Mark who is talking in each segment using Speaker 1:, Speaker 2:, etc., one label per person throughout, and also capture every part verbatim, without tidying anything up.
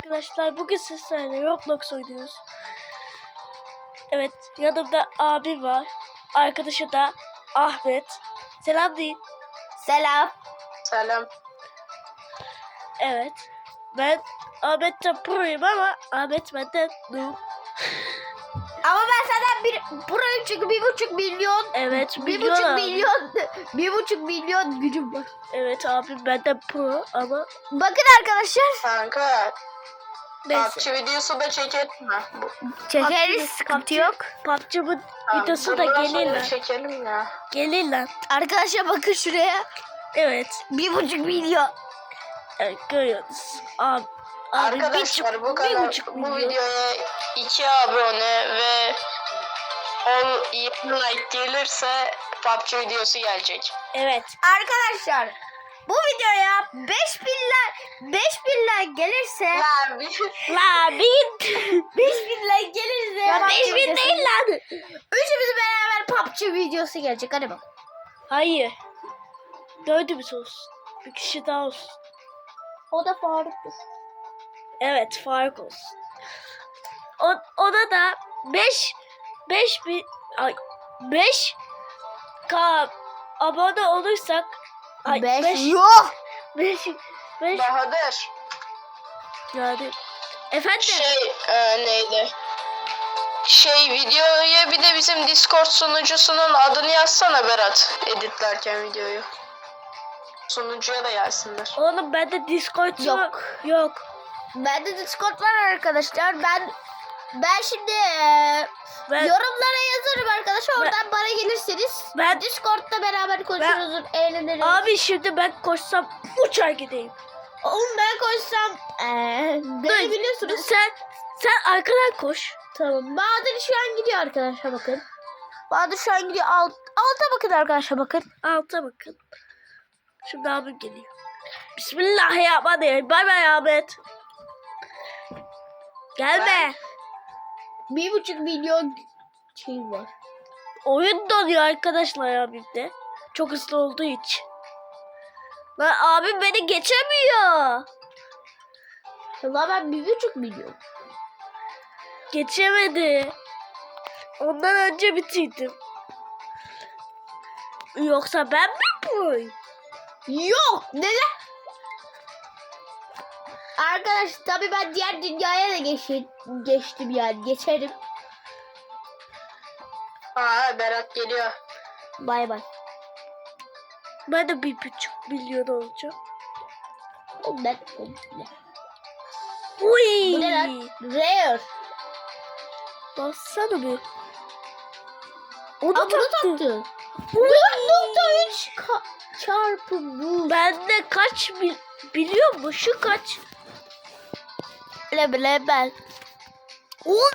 Speaker 1: arkadaşlar, bugün sizlerle Roblox oynuyoruz. Evet, yanımda abim var. Arkadaşı da Ahmet. Selam deyin.
Speaker 2: Selam.
Speaker 3: Selam.
Speaker 1: Evet. Ben Ahmet'ten proyum ama Ahmet benden noob.
Speaker 2: Ama ben senden bir proyum çünkü bir buçuk milyon.
Speaker 1: Evet,
Speaker 2: Bir
Speaker 1: milyon
Speaker 2: buçuk
Speaker 1: abi.
Speaker 2: milyon. Bir buçuk milyon gücüm var.
Speaker 1: Evet, abim benden pro ama
Speaker 2: Bakın arkadaşlar.
Speaker 3: Kanka.
Speaker 1: neyse.
Speaker 3: PUBG videosu da çekelim mi? Bu-
Speaker 2: Çekeriz, sıkıntı yok.
Speaker 1: P U B G'nin
Speaker 3: Tamam,
Speaker 1: videosu da
Speaker 3: bundan
Speaker 1: gelir
Speaker 3: sonra
Speaker 1: lan.
Speaker 3: çekelim ya.
Speaker 1: Gelir lan.
Speaker 2: Arkadaşlar bakın şuraya.
Speaker 1: Evet.
Speaker 2: Bir buçuk milyon.
Speaker 1: Evet, görüyorsunuz. Abi, abi
Speaker 3: Arkadaşlar
Speaker 1: bir,
Speaker 3: bu
Speaker 1: bir
Speaker 3: kadar
Speaker 1: buçuk
Speaker 3: bu
Speaker 1: milyon.
Speaker 3: videoya iki abone ve on yirmi like gelirse P U B G videosu gelecek.
Speaker 1: Evet.
Speaker 2: Arkadaşlar bu videoya beş binler beş binler gelirse
Speaker 3: Ya bir
Speaker 1: La bin.
Speaker 2: beş binler gelirse
Speaker 1: Ya
Speaker 2: P U B G
Speaker 1: beş bin
Speaker 2: videosu-
Speaker 1: değil lan.
Speaker 2: Üçümüz beraber P U B G videosu gelecek. Hadi bak.
Speaker 1: Hayır. Dördümüz olsun. Bir kişi daha olsun.
Speaker 2: O da Faruk'tur.
Speaker 1: Evet, fark olsun. O, ona da beş beş bin ay beş k abone olursak ay
Speaker 2: beş
Speaker 1: beş
Speaker 2: yok.
Speaker 1: beş beş
Speaker 3: Bahadır.
Speaker 1: yani efendim
Speaker 3: Şey e, neydi? Şey videoya bir de bizim Discord sunucusunun adını yazsana Berat, editlerken videoyu. Sunucuya da yazsınlar.
Speaker 1: oğlum bende Discord
Speaker 2: Yok.
Speaker 1: yok. Yok.
Speaker 2: Bende Discord var arkadaşlar. Ben ben şimdi eee,
Speaker 1: Ben,
Speaker 2: yorumlara yazarım arkadaşlar. Oradan bana gelirseniz
Speaker 1: ben
Speaker 2: Discord'da beraber konuşuruz, eğleniriz.
Speaker 1: abi şimdi ben koşsam uçar gideyim.
Speaker 2: Oğlum ben koşsam eee beni biliyorsunuz.
Speaker 1: Sen sen arkadan koş.
Speaker 2: Tamam. Bahadır şu an gidiyor arkadaşlar bakın. Bahadır şu an gidiyor. Alt, alta bakın arkadaşlar bakın.
Speaker 1: Alta bakın. Şimdi abim geliyor. Bismillahirrahmanirrahim. Bay bay Ahmet. Gelme.
Speaker 2: Bir buçuk milyon şey var.
Speaker 1: Oyun donuyor arkadaşlar abimde. Çok hızlı olduğu için. Lan abim beni geçemiyor.
Speaker 2: Valla ben bir buçuk milyon.
Speaker 1: Geçemedi. Ondan önce bitirdim. Yoksa ben mi boy?
Speaker 2: Yok. Neden? Arkadaş tabii ben diğer dünyaya da geçtim, geçtim yani geçerim.
Speaker 3: Aa Berat geliyor.
Speaker 2: Bay bay.
Speaker 1: Ben de bir buçuk milyon olacağım.
Speaker 2: O ben o ne?
Speaker 1: Uy.
Speaker 2: Bu ne lan? Rare.
Speaker 1: Bassana bir. Onu
Speaker 2: Aa bunu
Speaker 1: taktı.
Speaker 2: taktı. dört nokta üç çarpı bu.
Speaker 1: Bende kaç bil biliyor musun? Şu kaç?
Speaker 2: Bile bile ben.
Speaker 1: on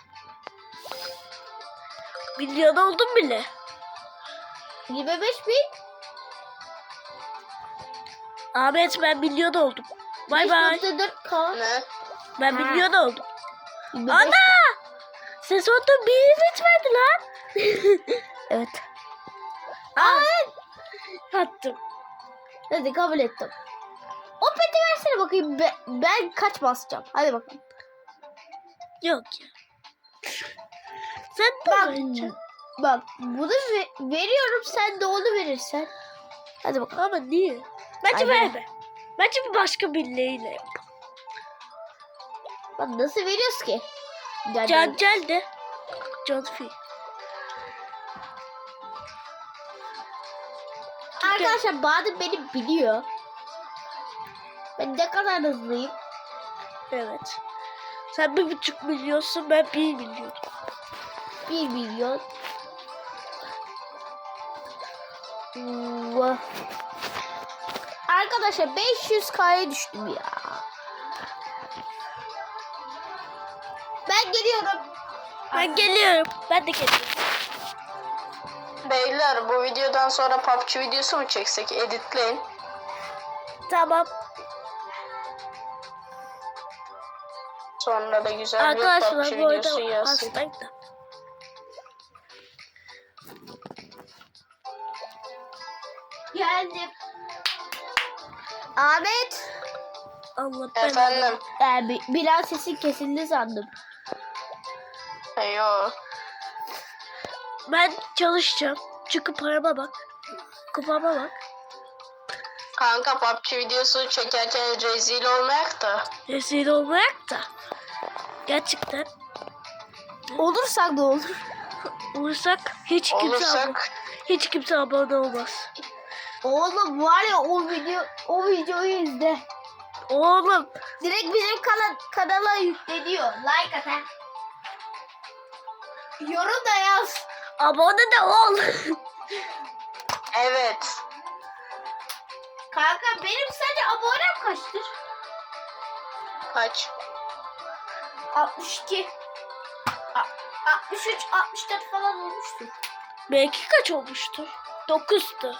Speaker 1: milyon oldum bile.
Speaker 2: yirmi beş bin.
Speaker 1: Ahmet ben milyon oldum. Bay bay.
Speaker 2: beş nokta dört K.
Speaker 3: Ne?
Speaker 1: Ben
Speaker 2: Ha.
Speaker 1: milyon oldum.
Speaker 2: yirmi beş
Speaker 1: Ana! Sezonda bir bitmedi lan.
Speaker 2: Evet.
Speaker 1: Aa, attım.
Speaker 2: Hadi kabul ettim. O peti versene bakayım. Be- ben kaç basacağım? Hadi bakalım.
Speaker 1: Yok ya. Sen de
Speaker 2: Bak.
Speaker 1: vereceksin.
Speaker 2: Bak bunu ve- veriyorum, sen de onu verirsen. Hadi bakalım.
Speaker 1: Ama niye? Bence
Speaker 2: Aynen.
Speaker 1: verme. Bence bir başka biriyle yap.
Speaker 2: Bak nasıl veriyoruz ki? Yani,
Speaker 1: Can gel de. Can fi.
Speaker 2: arkadaşlar Bahadır beni biliyor. Ben ne kadar hızlıyım.
Speaker 1: Evet. Sen bir buçuk milyonsun, ben bir milyon.
Speaker 2: Bir milyon. Vah. Arkadaşlar beş yüz K'ya düştüm ya. Ben geliyorum.
Speaker 1: Ben geliyorum. Ben de geliyorum.
Speaker 3: Beyler bu videodan sonra P U B G videosu mu çeksek? Editleyin.
Speaker 1: Tamam.
Speaker 3: Sonra da güzel bir P U B G
Speaker 1: Arkadaşlar bu
Speaker 3: videosu
Speaker 1: arada
Speaker 3: yazsın.
Speaker 1: hastayım da.
Speaker 2: Geldim. Ahmet.
Speaker 1: Allah ben.
Speaker 3: Efendim.
Speaker 2: Yani bir, biraz sesin kesildi sandım.
Speaker 3: Yo.
Speaker 1: Ben çalışacağım. Çünkü parama bak. Kupama bak.
Speaker 3: Kanka P U B G videosu çekerken rezil olmayak da.
Speaker 1: Rezil olmayak da. Gerçekten
Speaker 2: Olursak da olur.
Speaker 1: olursak hiç kimse abone,
Speaker 3: Olursak
Speaker 1: hiç kimse abone olmaz.
Speaker 2: Oğlum var ya o video o videoyu izle.
Speaker 1: Oğlum
Speaker 2: Direkt bizim kana kanala yükleniyor. Like at ha. Yorum da yaz.
Speaker 1: abone de ol.
Speaker 3: evet.
Speaker 2: Kanka benim sadece abonem kaçtır?
Speaker 3: Kaç?
Speaker 2: altmış iki. A- altmış üç, altmış dört falan olmuştur.
Speaker 1: Belki kaç olmuştur? dokuzdu.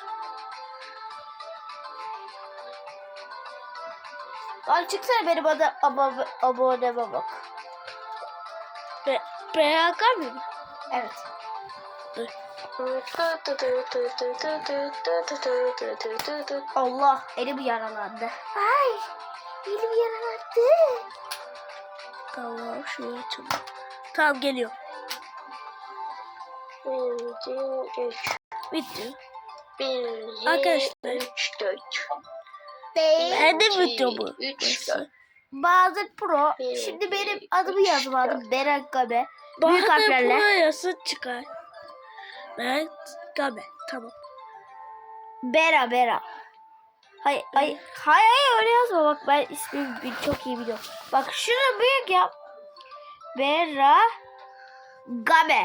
Speaker 2: Lan çıksana benim adı abo aboneme bak.
Speaker 1: Be B H K mı?
Speaker 2: Evet. Allah elim yaralandı. Ay elim yaralandı.
Speaker 1: Tamam şuraya açalım. Tamam geliyor. Bitti. Arkadaşlar.
Speaker 3: üç, dört.
Speaker 1: Ben de video bu.
Speaker 3: üç, dört.
Speaker 2: Bahadır Pro. Şimdi benim adımı yazmadım. Beren Gabe. Büyük harflerle.
Speaker 1: Burası çıkar. Ben Gabe. Tamam.
Speaker 2: Bera Bera. Hayır hayır hayır hayır öyle yazma bak ben ismimi bil- çok iyi biliyorum. Bak şunu büyük yap. Bera Gabe.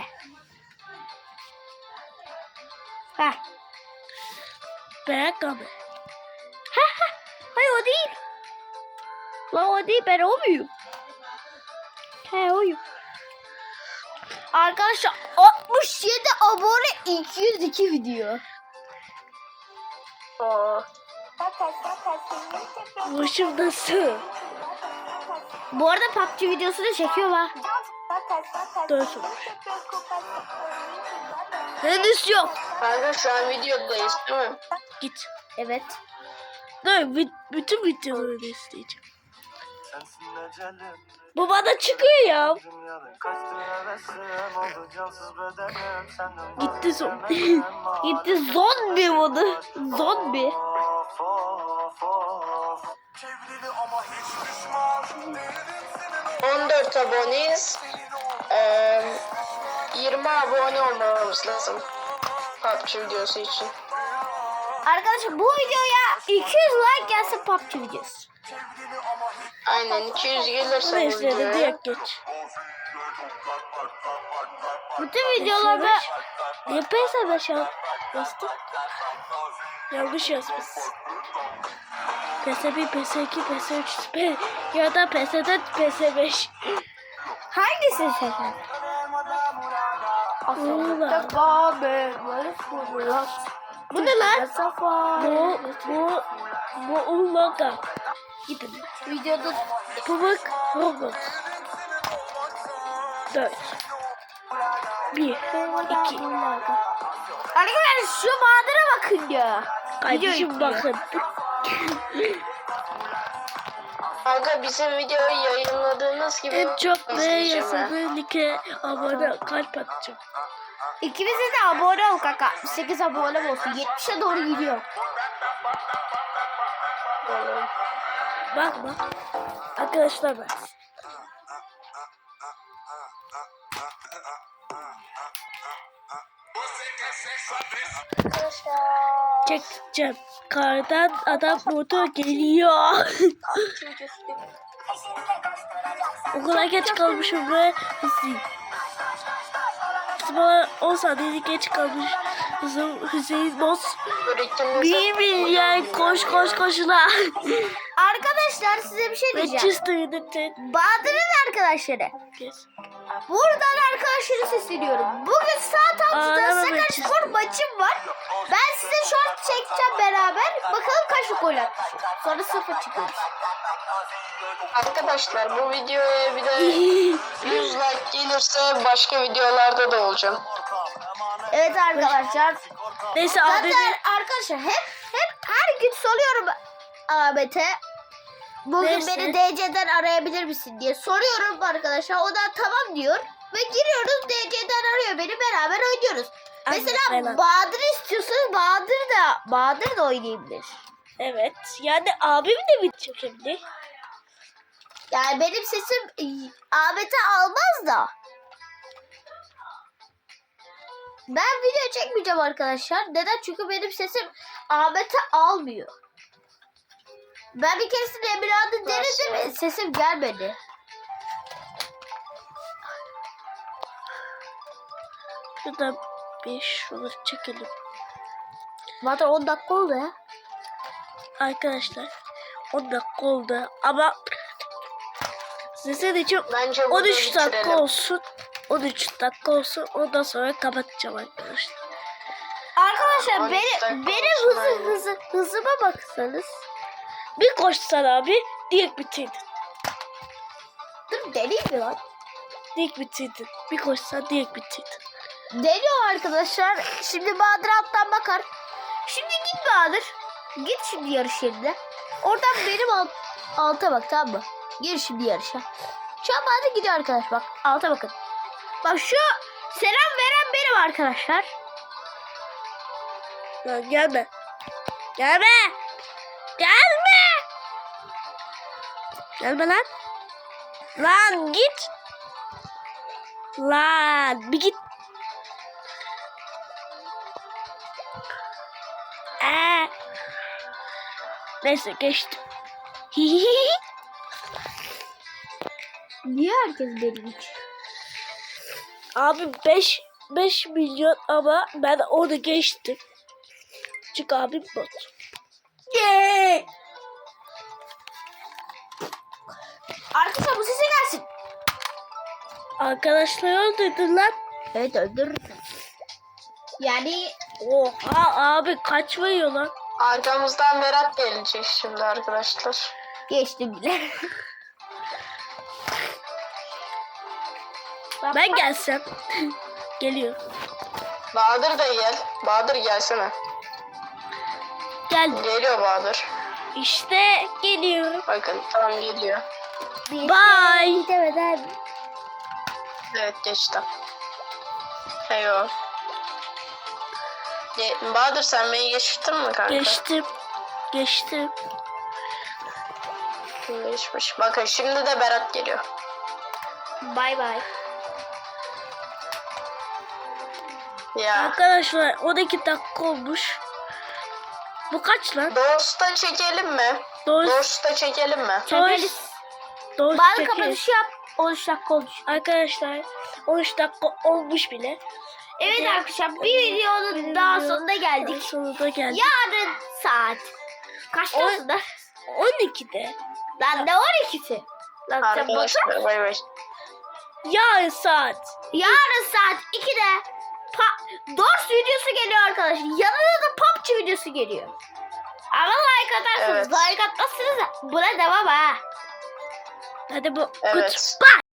Speaker 2: Heh.
Speaker 1: Ben Gabe.
Speaker 2: Hayır o değil. Lan o değil ben o muyum? He oyum. Arkadaşlar altmış yedi abone iki yüz iki video.
Speaker 3: Oo.
Speaker 1: Başım nasıl?
Speaker 2: Bu arada P U B G videosunu çekiyor ha.
Speaker 1: Dört olmuş. Henüz yok.
Speaker 3: Kanka şu an videodayız değil mi?
Speaker 1: Git.
Speaker 2: Evet.
Speaker 1: Dur vi- bütün videoları da isteyeceğim. Bu bana çıkıyor ya. Gitti son.
Speaker 2: Gitti zombi modu. Zombi.
Speaker 3: on dört aboneyiz. Ee, yirmi abone olmamız lazım. P U B G videosu için.
Speaker 2: Arkadaşlar bu videoya iki yüz like gelsin P U B G videosu.
Speaker 3: Aynen iki yüz gelirse bu
Speaker 1: Neyse de
Speaker 3: videoya.
Speaker 1: direkt geç.
Speaker 2: Bütün videolarda
Speaker 1: Niye P S beş yaz- bastın? Yanlış yazmışsın. P S bir, P S iki, P S üç, P ya da P S dört, P S beş.
Speaker 2: hangisini seçer?
Speaker 1: Bu ne lan? Bu, bu, bu Umaga. Gidin.
Speaker 2: Videoda
Speaker 1: Pamuk Roblox. Dört. Bir, iki.
Speaker 2: Arkadaşlar şu Bahadır'a bakın ya.
Speaker 1: Kardeşim bakın.
Speaker 3: Kanka bizim videoyu yayınladığınız gibi
Speaker 1: En çok ne
Speaker 3: izleyeceğim ha.
Speaker 1: yazanı like abone kalp atacağım.
Speaker 2: İkimize de abone ol kanka. altmış sekiz abone olsun. yetmişe doğru gidiyor.
Speaker 1: Bakma. Arkadaşlar bak. Çekeceğim. Kardan adam motor geliyor. O kadar geç kalmışım ve Hüseyin. Bana on saniye geç kalmış. Hüseyin, Hüseyin Boz. Bir milyar koş koş koşuna.
Speaker 2: Arkadaşlar size bir şey diyeceğim.
Speaker 1: Manchester United.
Speaker 2: Bahadır'ın arkadaşları.
Speaker 1: Yes.
Speaker 2: Buradan arkadaşları sesleniyorum. Bugün saat altıda
Speaker 1: Ağlama
Speaker 2: Sakaryaspor maçım var. Ben size short çekeceğim beraber. Bakalım kaç gol atmışım. Sonra sıfır çıkıyoruz.
Speaker 3: Arkadaşlar bu videoya bir de yüz like gelirse başka videolarda da olacağım.
Speaker 2: Evet arkadaşlar.
Speaker 1: Neyse
Speaker 2: Zaten
Speaker 1: abi.
Speaker 2: arkadaşlar hep hep her gün soruyorum Ahmet'e. bugün
Speaker 1: Neyse.
Speaker 2: beni D C'den arayabilir misin diye soruyorum arkadaşlar. O da tamam diyor. Ve giriyoruz, D C'den arıyor beni, beraber oynuyoruz.
Speaker 1: Aynen,
Speaker 2: Mesela
Speaker 1: aynen.
Speaker 2: Bahadır istiyorsanız Bahadır da Bahadır da oynayabilir.
Speaker 1: Evet. Yani abim de mi çekebilir?
Speaker 2: Yani benim sesim e, Ahmet'e almaz da. Ben video çekmeyeceğim arkadaşlar. Neden? Çünkü benim sesim Ahmet'e almıyor. Ben bir keresinde Emirhan'ı denedim. Sesim gelmedi.
Speaker 1: Şurada bir şunu çekelim.
Speaker 2: Zaten on dakika oldu ya.
Speaker 1: Arkadaşlar on dakika oldu ama size de çok
Speaker 3: Bence burada
Speaker 1: on üç dakika
Speaker 3: bitirelim.
Speaker 1: olsun. on üç dakika olsun. Ondan sonra kapatacağım arkadaşlar.
Speaker 2: Arkadaşlar
Speaker 3: on üç
Speaker 2: benim,
Speaker 3: dakika
Speaker 2: benim
Speaker 3: olsun,
Speaker 2: hızı,
Speaker 3: aynen.
Speaker 2: hızı, hızıma baksanız.
Speaker 1: Bir koşsan abi direkt bitirdin.
Speaker 2: Dur deneyim mi lan?
Speaker 1: Direkt bitirdin. Bir koşsan direkt bitirdin.
Speaker 2: Deniyor arkadaşlar. Şimdi Bahadır alttan bakar. Şimdi git Bahadır. Git şimdi yarış yerine. Oradan benim alt, alta bak, tamam mı? Gir şimdi yarışa. Şu an Bahadır gidiyor arkadaş, bak. Alta bakın. Bak şu selam veren benim arkadaşlar.
Speaker 1: Lan gelme. Gelme. Gelme. Gelme lan. Lan git. Lan bir git. Ee. Neyse geçtim.
Speaker 2: Niye herkes benim için?
Speaker 1: Abi beş beş milyon ama ben onu geçtim. Çünkü abim bot.
Speaker 2: Yeah! Arkadaşlar bu sese gelsin.
Speaker 1: Arkadaşlar öldürdün lan.
Speaker 2: Evet, öldürürsün. Yani
Speaker 1: Oha abi kaç veriyor lan?
Speaker 3: Arkamızdan Berat gelecek şimdi arkadaşlar.
Speaker 2: geçtim bile.
Speaker 1: Ben gelsem. Geliyor.
Speaker 3: Bahadır da gel. Bahadır gelsene.
Speaker 1: Gel.
Speaker 3: Geliyor Bahadır.
Speaker 1: İşte geliyorum.
Speaker 3: Bakın tam geliyor.
Speaker 1: Bye.
Speaker 2: Gidemeden.
Speaker 3: Evet geçti. Eyvah. Ge- Bahadır sen beni geçtin mi kanka?
Speaker 1: Geçtim. Geçtim.
Speaker 3: Geçmiş. Bakın şimdi de Berat geliyor.
Speaker 2: Bay bay.
Speaker 3: Ya.
Speaker 1: Arkadaşlar on iki dakika olmuş. Bu kaç lan?
Speaker 3: Doğusta çekelim mi?
Speaker 1: Doğru.
Speaker 3: Doğusta çekelim mi?
Speaker 2: Çekeriz.
Speaker 1: Doğru.
Speaker 2: Bazı kapanışı yap. on üç dakika olmuş.
Speaker 1: Arkadaşlar on üç dakika olmuş bile.
Speaker 2: Evet
Speaker 1: Hadi.
Speaker 2: arkadaşlar, bir videonun daha sonuna geldik.
Speaker 1: Sonunda geldik.
Speaker 2: Yarın saat kaçta
Speaker 1: On-
Speaker 2: aslında?
Speaker 1: on ikide.
Speaker 2: Lan ne on ikisi? Lan sen bakar
Speaker 3: Arkadaşlar
Speaker 2: mısın?
Speaker 3: bay bay.
Speaker 1: Yarın saat.
Speaker 2: Yarın saat ikide pa- Dors videosu geliyor arkadaşlar. Yanına da P U B G videosu geliyor. Ama like atarsınız.
Speaker 3: Evet.
Speaker 2: Like atmazsınız da buna devam ha.
Speaker 1: Hadi bu.
Speaker 3: Evet.
Speaker 1: Goodbye.